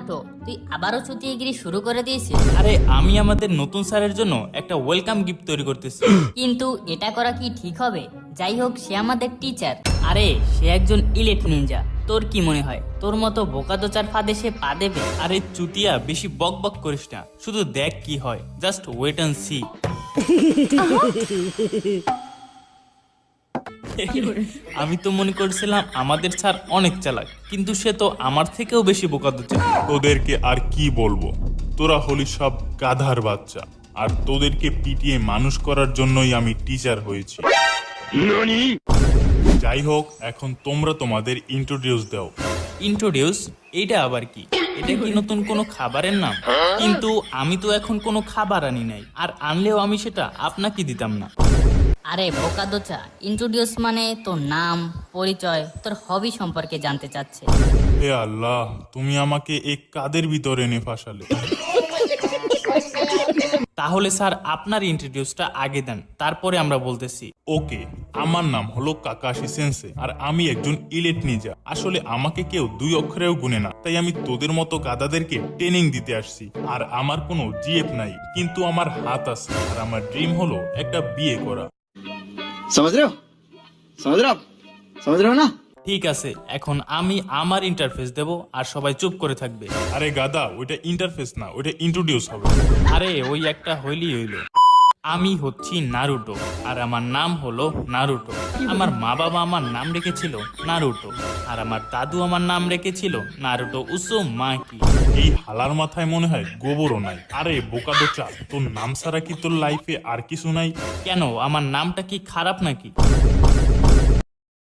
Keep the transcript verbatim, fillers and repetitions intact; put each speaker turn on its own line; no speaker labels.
Naruto, তুই আবারও চুতিয়েগিরি শুরু করে দিয়েছিস।
আরে আমি আমাদের নতুন স্যারের জন্য একটা ওয়েলকাম গিফট তৈরি করতেছি।
কিন্তু এটা করা কি ঠিক হবে? যাই হোক, সে আমাদের টিচার।
আরে সে একজন ইলিট নিনজা, তোর কি মনে হয় তোর মতো বোকাদোচার ফাঁদে সে পা দেবে? আরে চুতিয়া, বেশি বক বক করিস না, শুধু দেখ কি হয়, জাস্ট ওয়েট অ্যান্ড সি। আমি তো মনে করছিলাম আমাদের স্যার অনেক চালাক, কিন্তু সে তো আমার থেকেও বেশি বোকাদোচা।
তোদেরকে আর কি বলবো, তোরা হলি সব গাধার বাচ্চা, আর তোদেরকে পিটিয়ে মানুষ করার জন্যই আমি টিচার হয়েছি। যাই হোক, এখন তোমরা তোমাদের ইন্ট্রোডিউস দাও।
ইন্ট্রোডিউস? এইটা আবার কি? এটা কি নতুন কোনো খাবারের নাম? কিন্তু আমি তো এখন কোনো খাবার আনি নাই, আর আনলেও আমি সেটা আপনাকে দিতাম না।
আরে বোকাদোচা, ইন্ট্রোডিউস মানে তোর নাম, পরিচয়, তোর হবি সম্পর্কে জানতে চাচ্ছে।
হে আল্লাহ, তুমি আমাকে এই কাদের ভিতরে এনে ফাঁসালে।
তাহলে স্যার আপনার ইন্ট্রোডিউসটা আগে দেন, তারপরে আমরা বলতেছি।
ওকে, আমার নাম হলো কাকাশি সেন্সে, আর আমি একজন ইলেট নিনজা। আসলে আমাকে কেউ দুই অক্ষরেও গুনে না, তাই আমি তোদের মতো গাধাদেরকে ট্রেনিং দিতে আসছি। আর আমার কোনো জিএফ নাই, কিন্তু আমার হাত আছে, আর আমার ড্রিম হলো একটা বিয়ে করা।
समझ रहे हो समझ रहे हो आप समझ रहे हो ना।
ঠিক আছে, এখন আমি আমার ইন্টারফেস দেব, আর সবাই চুপ করে থাকবে।
আরে গাদা, ওইটা ইন্টারফেস না, ওইটা ইন্ট্রোডিউস হবে।
আরে ওই একটা হইলি হইলো। আমি হচ্ছি নারুটো, আর আমার নাম হলো নারুটো। আমার মা বাবা আমার নাম রেখেছিল নারুটো, আর আমার দাদু আমার নাম রেখেছিল নারুটো উজুমাকি।
এই হালার মাথায় মনে হয় গোবরও নাই। আরে বোকাদোচা, তোর নাম ছাড়া কি তোর লাইফে আর কিছু নাই?
কেন, আমার নামটা কি খারাপ নাকি?